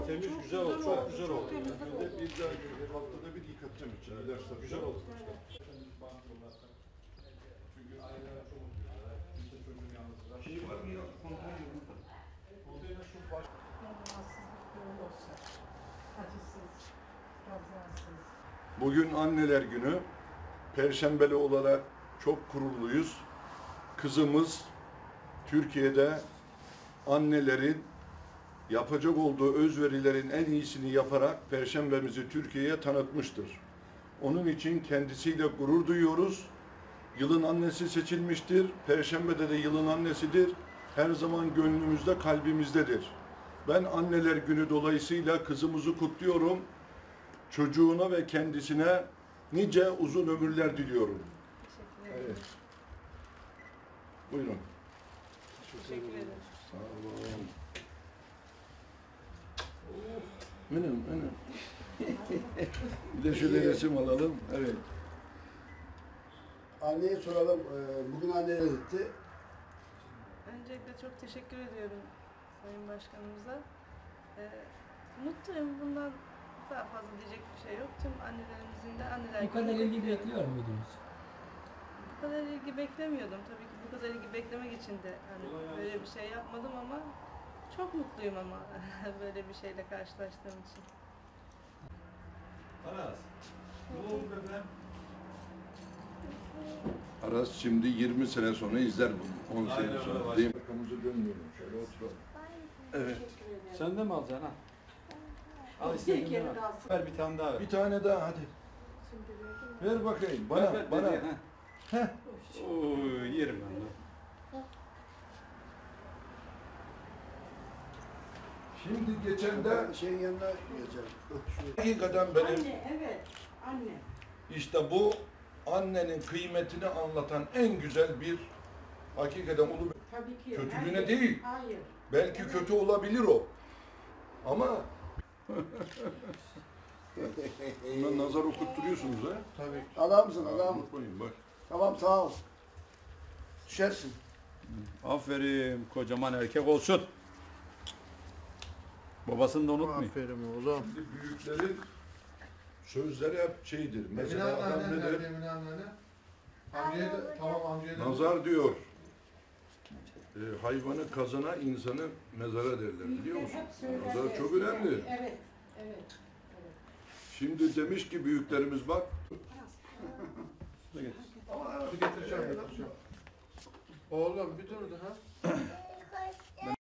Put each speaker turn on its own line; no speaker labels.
temiz, güzel oldu. Çok güzel oldu.
Bir haftada bir yıkatacağım için. İlaçlar
Güzel oldu.
Çünkü aileler çok unutuyorlar. Kimse çocuğun yalnızlar. Şey var mı ya? Konteyner burada. Konteyner şu baş...
Rahatsızlık yoğun olsa, acısız, kazasız.
Bugün Anneler Günü. Perşembeli olarak çok gururluyuz. Kızımız Türkiye'de annelerin yapacak olduğu özverilerin en iyisini yaparak Perşembemizi Türkiye'ye tanıtmıştır. Onun için kendisiyle gurur duyuyoruz. Yılın annesi seçilmiştir. Perşembe'de de yılın annesidir. Her zaman gönlümüzde, kalbimizdedir. Ben Anneler Günü dolayısıyla kızımızı kutluyorum. Çocuğuna ve kendisine nice uzun ömürler diliyorum.
Teşekkür ederim.
Evet. Buyurun.
Teşekkür ederim.
Sağ olun. Benim. Bir de şöyle resim alalım. Evet.
Anneye soralım. Bugün anne ne etti?
Öncelikle çok teşekkür ediyorum Sayın Başkanımıza. Mutluyum. Bundan daha fazla diyecek bir şey yok. Tüm annelerimizin de anneler
Bu kadar
gününü
ilgi
kutluyorum.
bekliyor muydunuz?
Bu kadar ilgi beklemiyordum. Tabii ki bu kadar ilgi beklemek için de hani böyle bir şey yapmadım ama çok mutluyum ama böyle bir şeyle karşılaştığım için.
Aras. Ne oldu bebeğim?
Aras şimdi 20 sene sonra izler bunu. 10 sene
Aynen
sonra.
öyle.
Değil mi? Arkamızı dönmeyelim. Şöyle oturalım. Evet.
Sen de mi alacaksın ha? Al istediğin
kere
ver.
kalsın.
Ver bir tane daha ver.
Bir tane daha hadi. Ver bakayım. Bana.
Ver,
bana.
dedi, ha. Oo, yerim ben de.
Şimdi geçen de
Ben şeyin yanına geleceğim.
hakikaten benim
Anne, evet. Anne.
işte bu annenin kıymetini anlatan en güzel bir hakikaten onu
Tabii ki.
kötülüğüne
Herkes-
değil.
Hayır.
Belki kötü olabilir o. Ama buna nazar okutturuyorsunuz ha.
Tabii. Adamsın adam.
Unutmayın bak.
Tamam sağ ol. Düşersin.
Aferin, kocaman erkek olsun. Babasını da unutmayın.
Aferin oğlum.
Şimdi büyüklerin sözleri hep şeydir. Mesela adam ne der?
Emine annene. Amcaya da, tamam amcaya da.
Nazar diyor. Hayvanı kazana, insanı mezara derler biliyor musun?
Hep söyler
Nazar çok
eskiden.
önemli.
Evet. Evet.
Şimdi demiş ki büyüklerimiz bak.
Getireceğim. Oğlum bir dur daha.